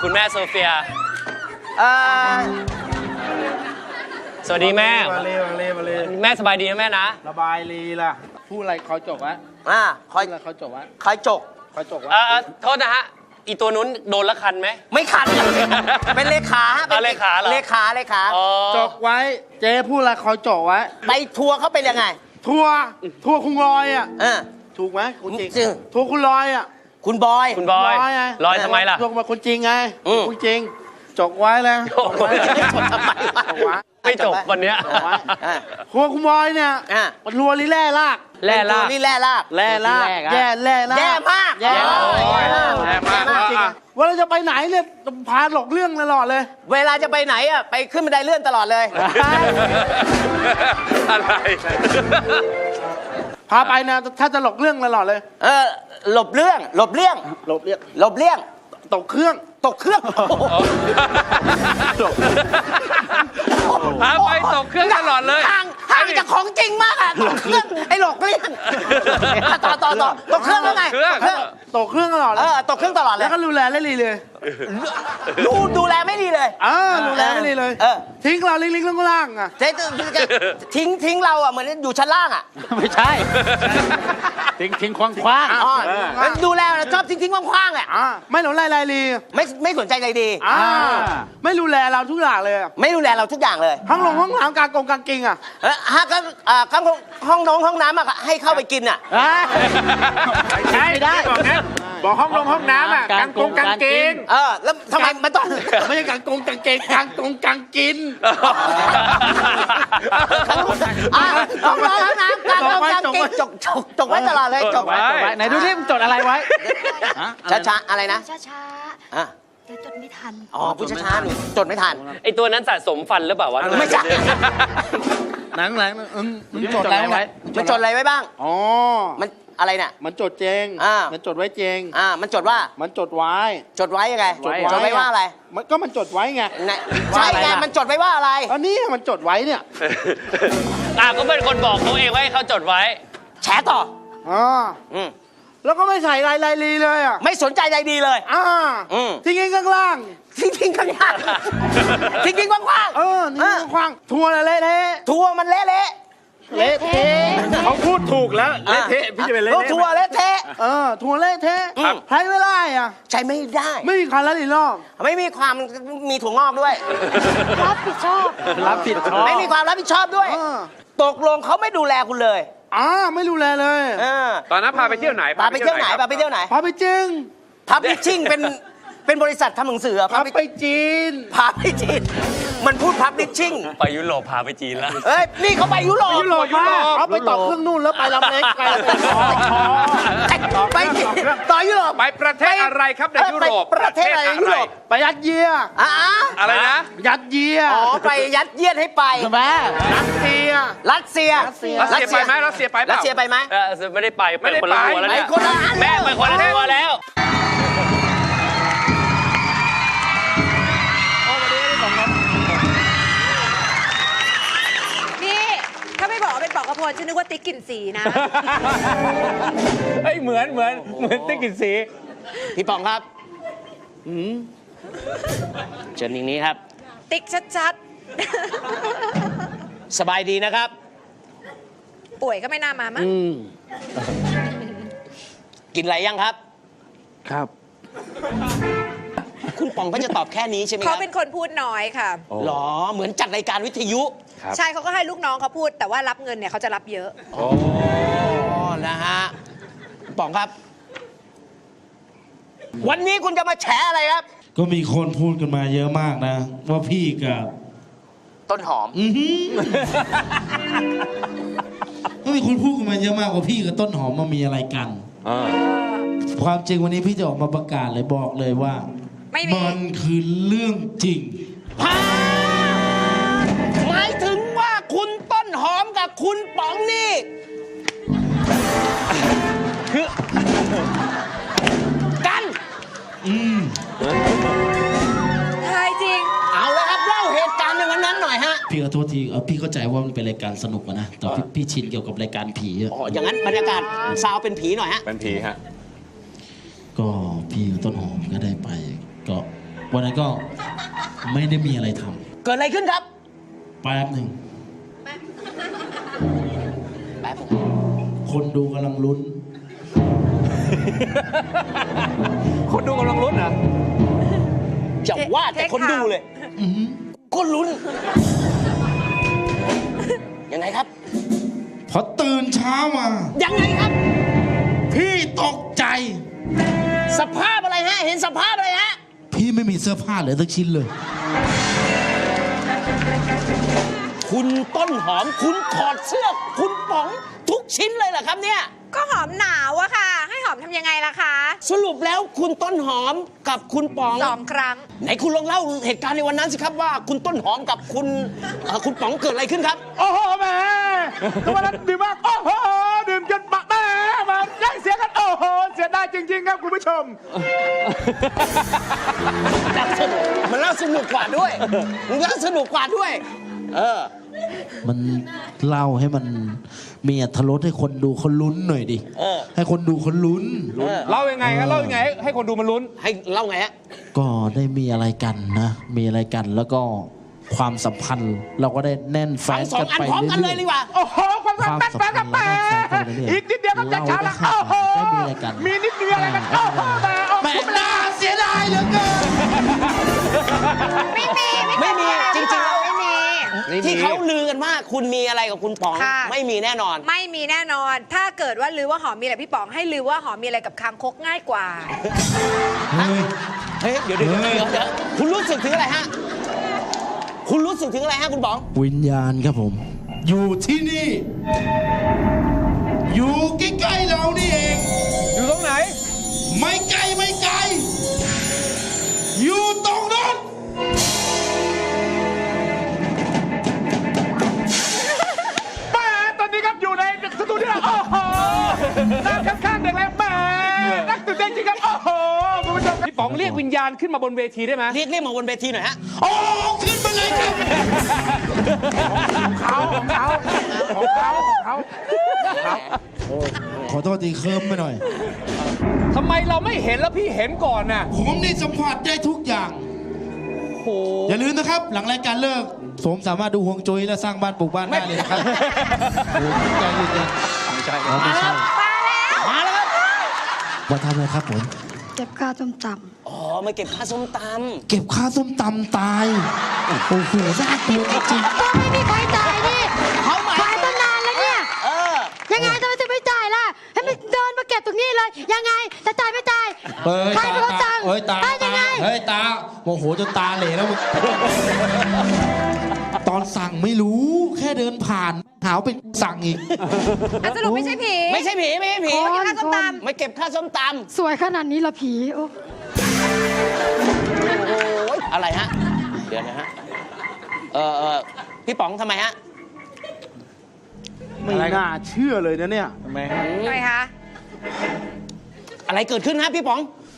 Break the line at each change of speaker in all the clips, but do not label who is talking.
คุณแม่โซเฟีย
เอ่อ
สวัสดีแม่
มาเลย
แม่สบายดีนะแม่นะ
ระบายลีล่ะพูดอะไรคอยจบวะ
คอย
พูดอะไรคอยจบวะ
คอยจก
คอยจบวะ
โทษนะฮะ อีตัวนู้นโดนละคันไหม
ไม่ขัดเป็นเลขาฮะ
เลขาเหรอ
เลขา
อ๋อ
จบไว้เจ๊พูดอะไรคอยจบไว้
ไปทัวร์เขาเป็นยังไง
ทัวร์คุณลอยอ่ะ
เออ
ถูกไหมคุณจริง
จริง
ทัวร์คุณลอยอ่ะ
คุณบอย
คุณบอย
ไง
ลอยทำไมล่ะ
ทัวร์มาคุณจริงไง
อืม
คุณจริงจบไว้แล้ว
โอ้โห
ไม่จบทำไมวะ
จบไว้
ไม่จบวันเนี้ย
จบไว้
อ่ะ
ทัวร์คุณบอยเนี่ย
อ่ะ
มันทัวร์ลีแร่ลาก
แร่ลาก
นี่แร่ลาก
แร่ลากแย่แร่ลาก
แย่มาก
แย่มาก
แย่มาก
จริงๆว่าเราจะไปไหนเนี่ยพาหลอกเรื่องตลอดเลย
เวลาจะไปไหนอ่ะไปขึ้นบันไดเลื่อนตลอดเลย
อะไร
พาไปนะถ้าจะหลอกเรื่องตลอดเลย
หลบเรื่อง
หลบเรียก
หลบเลี่ยง
ตกเครื่อง
ตกเครื่อง
พาไปตกเครื่องตลอดเลย
ห่างจากของจริงมากอ่ะตกเครื่องไอ้หลอกเลี่ยงต่อตกเครื่องแล้วไง
ตกเครื่องตลอดเลย
ตกเครื่องตลอดเล
แล้
ยว
ก็ดูแลได้ดีเลย
ดูแลไม่ดีเลย
ดูแลไม่ดีเลย ทิ้งเราลิงๆล่างๆอ่ะ
เจ๊ทิ้งเราอ่ะเหมือนอยู่ชั้นล่างอ่ะ
ไม่ใช่ ทิ้งคว้าง
ดูแลชอบทิ้งๆคว่างๆอ่ะ
ไม่หลงลายลี
ไม่สนใจใจดี
ไม่ดูแลเราทุกอย่างเลย
ไม่ดูแลเราทุกอย่างเลย
ห้องน้ำกางกิงอ่ะ
ฮะก็ข้างห้องน้ำอ่ะให้เข้าไปกินอ่ะ
ใช่ไม่ได้บอกห้องน้ำอ่ะกางเกง
แล้วทำไมมันต้อง
ไม่ใช่กางเกงกางกิน
ห้องน้ำกางกินจกไว้ตลอดเลยจกไว้
ไหนดูที่มันจดอะไรไว้
ช้าๆอะไรนะ
ช้า
อ่ะ
ๆเดี๋ยวจดไม่ทัน
พูดช้าๆหนูจดไม่ทัน
ไอตัวนั้นสะสมฟันหรือเปล่าวะ
ไม่ใช่
หนังมันจดอะไรไว้
มันจดอะไรไว้บ้าง
อ๋อ
มันอะไรเนี่ย
มันจดเจง มันจดไว้เจง
มันจดว่า
มันจดไว้
จดไว้ยังไง จดไว้ว่าอะไร
มันจดไว้ไง
ใช่ไงมันจดไว้ว่าอะไร
อันนี้มันจดไว้เนี่ย
ก็เป็นคนบอกเขาเองว่าให้เขาจดไว้
แฉต่อ
แล้วก็ไม่ใส่ลายลีเลยอ่ะ
ไม่สนใจใจดีเลย
ทิ้งข้างล่าง
ทิ้งข้างล่างทิ้งกว้างๆ
นี่คว้างทัวร์เละเทะ
ทัวร์มันเละ
เละเทะ
เขาพูดถูกแล้วเละเทะพี่จะเป็นเละ
ทัวร์เละเทะ
ทัวร์เละเทะใช้ไม่ได้อ่ะ
ใช้ไม่ได้
ไม่มีคันละลีรอบ
ไม่มีความมีถั่วงอกด้วย
รับผิดชอบ
รับผิดชอบ
ไม่มีความรับผิดชอบด้วย ตกลงเขาไม่ดูแลคุณเลย
ไม่ดูแลเลย
ตอนนั้นพาไปเที่ยวไหน
พาไปเที่ยวไหน
ครับ
พาไปเที่ยวไหน
พาไปจริง
พับลิชชิ่งเป็นบริษัททำหนังสือ
พาไปจีน
พาไปจีนมันพูดพับลิชชิ่ง
ไปยุโรปพาไปจีนแล้ว
เอ้ยนี่เขาไปยุโรป
ยุโรปมาเอาไปต่อเครื่องนู่นแล้วไปลำเล็กไป
ไปต่อยุโรป
ไปประเทศอะไรครับในยุโรป
ประเทศอะไรยุโรป
ไปยัดเยีย
อะไรนะ
ยัดเยีย
ไปยัดเยียดให้ไป
แม่รัสเซีย
รัสเซีย
รัสเซียไปไหมรัสเซียไปเป
รัส
ล่า
เซียไปไหม
ไม่ได้ไป
ไม่ได้
คนละ
ไป
ทัวร์แล้วเนี่ย
ไปคนละอัน
แม่ไปคนละทัวร์แล้ว
นี่ถ้าไม่บอกว่าเป็นปอกกระพลฉันนึกว่าติ๊กกลิ่นสีนะ
เฮ้ยเหมือนติ๊กกินสี
พี่ปองครับเชิญอย่างนี้ครับ
ติ๊กชัด
สบายดีนะครับ
ๆ ป่วยก็ไม่น่ามามั้ง
กินอะไรยังครับ
ครับ
คุณปองก็จะตอบแค่นี้ใช่ไหมค
เขา
รับ
เป็นคนพูดน้อยค่ะ
หรอเหมือนจัดรายการวิทยุ
ใช่เขาก็ให้ลูกน้องเขาพูด แต่ว่ารับเงินเนี่ยเขาจะรับเยอะ
อ๋อนะฮะปองครับ วันนี้คุณจะมาแฉอะไรครับ
ก็มีคนพูดกันมาเยอะมากนะ ว่าพี่กับ
ต้นหอม
ก็มีคนพูดกันมาเยอะมากว่าพี่กับต้นหอมมามีอะไรกันความจริงวันนี้พี่จะออกมาประกาศเลยบอกเลยว่า
ไม่มี
มันคือเรื่องจริง
หมายถึงว่าคุณต้นหอมกับคุณป๋องนี่คือกัน
ใช่จริง
เอาแล้วครับเล่าเหตุการณ์ในวันนั้นหน่อยฮะ
พี่ขอโทษทีพี่เข้าใจว่ามันเป็นรายการสนุกอะนะแต่พี่ชินเกี่ยวกับรายการผีอะ
อ๋ออย่างนั้นบรรยากาศซาวเป็นผีหน่อยฮะ
เป็นผีฮะ
ก็พี่กับต้นหอมก็ได้ไป ก็วันนั้นก็ไม่ได้มีอะไรท
เกิดอะไรขึ้นครับ
ำแป๊บหนึ่ง
แป๊บ
คนดูกำลังลุ้น
คนดูกำลังลุ้นเหรอ
จะว่าแต่คนดูเลยก็ลุ้น ยังไงครับ
พอตื่นเช้ามา
ยังไงครับ
พี่ตกใจ
สภาพอะไรฮะ เห็นสภาพอะไรฮะ
พี่ไม่มีเสื้อผ้าเหลือสักชิ้นเลย
คุณต้นหอม คุณถอดเสื้อ คุณป๋องทุกชิ้นเลยเหรอครับเนี่ย
ก็หอมหนาวอะค่ะ ให้หอมทำยังไงล่ะคะ
สรุปแล้วคุณต้นหอมกับคุณป๋อง
2 ครั้ง
ไหนคุณลองเล่าเหตุการณ์ในวันนั้นสิครับว่าคุณต้นหอมกับคุณป๋องเกิดอะไรขึ้นครับ
โอ้โหแม่ทุกวันนั้นดื่มมากโอ้โหดื่มจนปะแม่มาแย่งเสียงกันโอ้โหเสียดายจริงๆครับคุณผู้ชม
มันเล่าสนุกกว่าด้วย มันเล่าสนุกกว่าด้วย
มันเล่าให้มันมีอรรถรสให้คนดูเขาลุ้นหน่อยดิ ให้คนดูเขาลุ้น
เล่ายังไงครับเล่ายังไงให้คนดูมันลุ้น
ให้เล่าไงฮะ
ก็ได้มีอะไรกันนะ มีอะไรกันแล้วก็ความสัมพันธ์ เราก็ได้แน่นแฟ
ฟัง
น
สอ
กั
ง
น
อัน
ไป
พร้อมกันเลย
เรื่
ดี
อย
กว่า
โอ้โหความสัมพันธ์แฟนกับแม่อีกนิดเดียวก็จะเช้าแล้วโอ้โห มีนิดเดียวอะไรกันโอ้โหแม่
ๆแม่น่าเสียดายเหลือเกิน
ไม่มีจริงๆแล้ว
ไม่มี
ที่เขาลือกันว่าคุณมีอะไรกับคุณป๋อง
ค่ะ
ไม่มีแน่นอน
ไม่มีแน่นอน ถ้าเกิดว่าลือว่าหอมมีอะไรพี่ป๋องให้ลือว่าหอมมีอะไรกับคางคกง่ายกว่า
เฮ้ยเดี๋ยวคุณรู้สึกถึงอะไรฮะ คุณรู้สึกถึงอะไรฮะคุณป๋อง
วิญญาณครับผม อยู่ที่นี่ อยู่ใกล้ๆเรานี่เอง
อยู่ตรงไหน
ไม่ไกลไม่ไกล อยู่ตรงนั้น
แม่ตอนนี้ครับอยู่ในสตูดิโอโอ้โหนั่งข้างๆเด็กแล้วแม่นักตื่นเต้นจริงครับโอ้โหคุณผู้ชม
พี่ป๋องเรียกวิญญาณขึ้นมาบนเวทีได้ไหม
เรียกมาบนเวทีหน่อยฮะ
โอ้ขึ้นมาเลยครับ
ของเขา
ขอโทษทีเคิร์มไปหน่อย
ทำไมเราไม่เห็นแล้วพี่เห็นก่อนน่ะ
ผมนี่สัมผัสได้ทุกอย่าง
โอ้โห
อย่าลืมนะครับ หลังรายการเลิกผมสามารถดูฮวงจุ้ยและสร้างบ้านปลูกบ้านได้เลยนะครับโอ้ยใจเย็นๆไม่ใช่ไม่ใช่
มาแล้วครับ
มาทำอะไรครับผม
เก็บค่าต้มต
อ๋อมาเก็บค่าส้มต
เก็บค่าส้มตำตาย โอ้โหน่ากลัวจริง
ำก็ไม่มีใครจ่ายนี่
ำเขาหมาย
ขายตั้งนานแล้วเนี่ย ยังไงทำไมถึงไม่จ่ายล่ะ ให้มันเดินมาเก็บตรงนี้เลย ยังไง จะจ่ายไม่จ่าย
เฮ้ย
ใคร
ตา
เป็นคน
ตา
สั่ง
เฮ้ยตา
ให้ยั
ตาง
ไง
เฮ้ยตาโมโหจนตาเหล่แล้วมึงตอนสั่งไม่รู้แค่เดินผ่านหาวเป็นสั่งอีก
อ่ะสรุปไม่ใช่ผี
ไม่ใช่ผีไม่ใช่ผี
โอ้ยเก็บค่าส้มต
ไม่เก็บค่าส้มต
สวยขนาดนี้ละผีโอ้
ำโอ้ยอะไรฮะ เดี๋ยวนะฮะ พี่ป๋องทำไมฮะ
ไม่น่าเชื่อเลยนะเนี่ย
ำทำไมคะ
อะไรเกิดขึ้นฮะพี่ป๋อง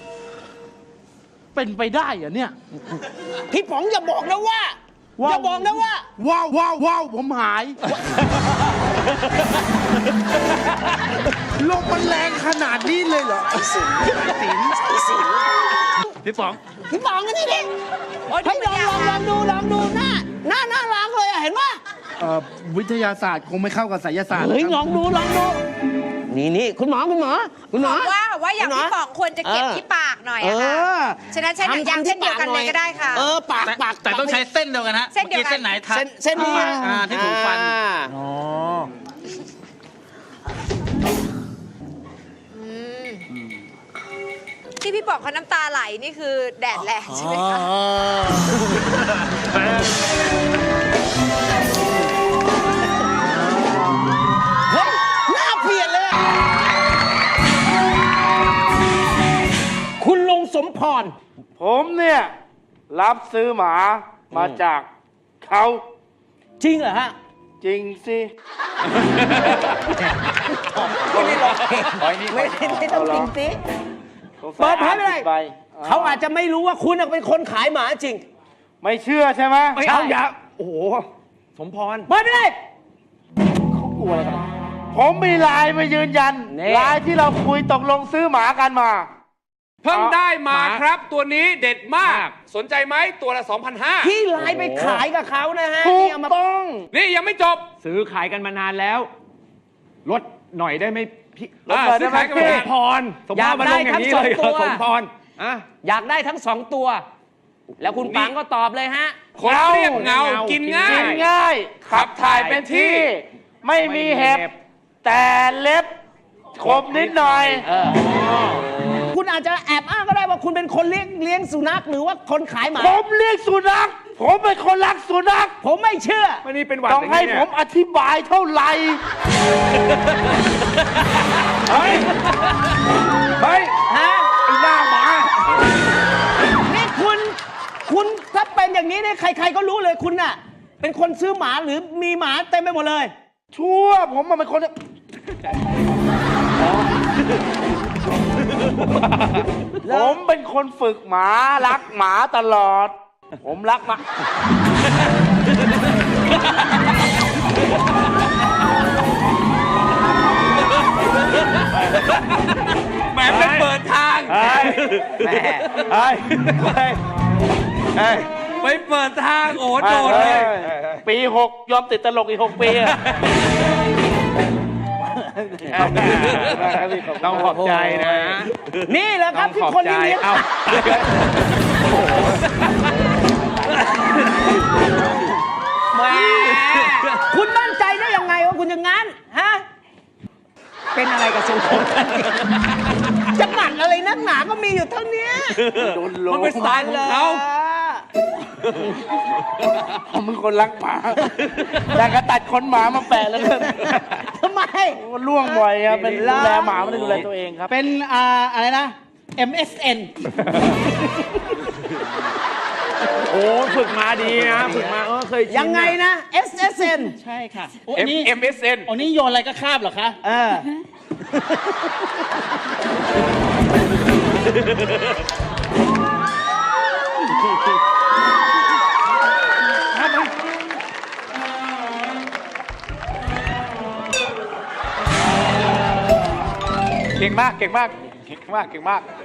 เป็นไปได้เหรอเนี่ย
พี่ป๋องอย่าบอกนะว่า อย่าบอกนะว่า
ว้าวผมหาย ลมมันแรงขนาดนี้เลยเหรอ พี่ป๋อง
พี่ป๋องกันนี่ดิ
โอ้ย
ให้ย
ดูเป็น
ลองดูหน้าล้างเลยอะเห็นปะ
วิทยาศาสตร์คงไม่เข้ากับไสยศาสตร์
เฮ้ยลองดู นี่คุณหมอ
ว่าอย่างพี่ป๋องควรจะเก็บที่ปากหน่อยอะค่ะ ฉะนั้นใช้หนังยางเช่นเดียวกันเลยก็ได้ค่ะ
ปาก
แต่ต้องใช้เส้นเดียวกันฮะ
เส้นเดียวกัน
เส้นไหนทัด
เส้นนี้
ที่ถูกฟัน
อ๋อ
ที่พี่ป๋องเขาน้ำตาไหลนี่คือแดดแรงใช่ไหมคะ
เฮ้ยหน้าเปลี่ยนเลยอะคุณลุงสมพร
ผมเนี่ยรับซื้อหมามาจากเขา
จริงเหรอฮะ
จริงสิ
ไม่ต้องจริงสิ เปิดเผยไม่ได้
ไป
เขาอาจจะไม่รู้ว่าคุณเป็นคนขายหมาจริง
ไม่เชื่อใช่ไหม
ไม่เอาอย่า
โอ้โห
สมพร
เปิดไม่ได้
ผมมีไลน์มายืนยัน
นี่
ไลน์ที่เราคุยตกลงซื้อหมากันมาเพิ่งได้มาครับตัวนี้เด็ดมาก สนใจไหมตัวละ 2,500
พี่ไลน์ไปขายกับเขานะฮะ
ถู
นี่
ก
เอามา
ต้องนี่ยังไม่จบ
ซื้อขายกันมานานแล้ว ลดหน่อยได้ไหมพี่
ซื้อขายกันมานาน
สมพรสมพรมาลงอย่างนี้เลยเหรอสมพรอ่ะ
อยากได้ทั้ง 2 ตัว แล้วคุณปังก็ตอบเลยฮะ
คนเรียบเงากินง่าย
ง่าย
ขับถ่ายเป็นที่
ไม่มีเห็บแต่เล็บคมนิดหน่อย
คุณอาจจะแอบอ้างก็ได้ว่าคุณเป็นคนเลี้ยงสุนัขหรือว่าคนขายหมา
ผมเลี้ยงสุนัขผมเป็นคนรักสุนัข
ผมไม่เชื่อ
วันนี้เป็นหวัดต้องให้ผมอธิบายเท่าไหร่เฮ้ย
ฮะ
ไอ้หน้าหมา
นี่คุณถ้าเป็นอย่างนี้เนี่ยใครๆก็รู้เลยคุณน่ะ เป็นคนซื้อหมาหรือมีหมาเต็มไปหมดเลย
ชั่วผมมันเป็นคนผมเป็นคนฝึกหมารักหมาตลอด ผมรักหมา
แหมเป็นเปิดทาง ไปเปิดทางโอ้โดดเลย
ปี 6 ยอมติดตลกอีก 6 ปีอะต้องขอบใจนะ
นี่แหละครับที่คนที่เลี้ยง
เอา
แหมคุณมั่นใจได้ยังไงว่าคุณอย่างนั้นฮะเป็นอะไรกับทรงผมจะหมั่นอะไรนักหนาก็มีอยู่เท่านี้
มันเป็นสไตล์ของเขา
ผมเป็นคนรักหมาแต่ก็ตัดขนหมามาแปะแล้วกัน
ทำไม
ล่วงบ่อยครับเป็นดูแลหมาไม่ได้ดูแลตัวเองครับ
เป็นอะไรนะ MSN
โอ้ฝึกมาดีนะฝึกมาเคยชิน
ยังไงนะ SSN
ใช่ค่ะ
MSN
อันนี้โยนอะไรก็คาบเหรอคะ
เออ
เก่งมาก เก่งมาก เก่งมาก เก่งมาก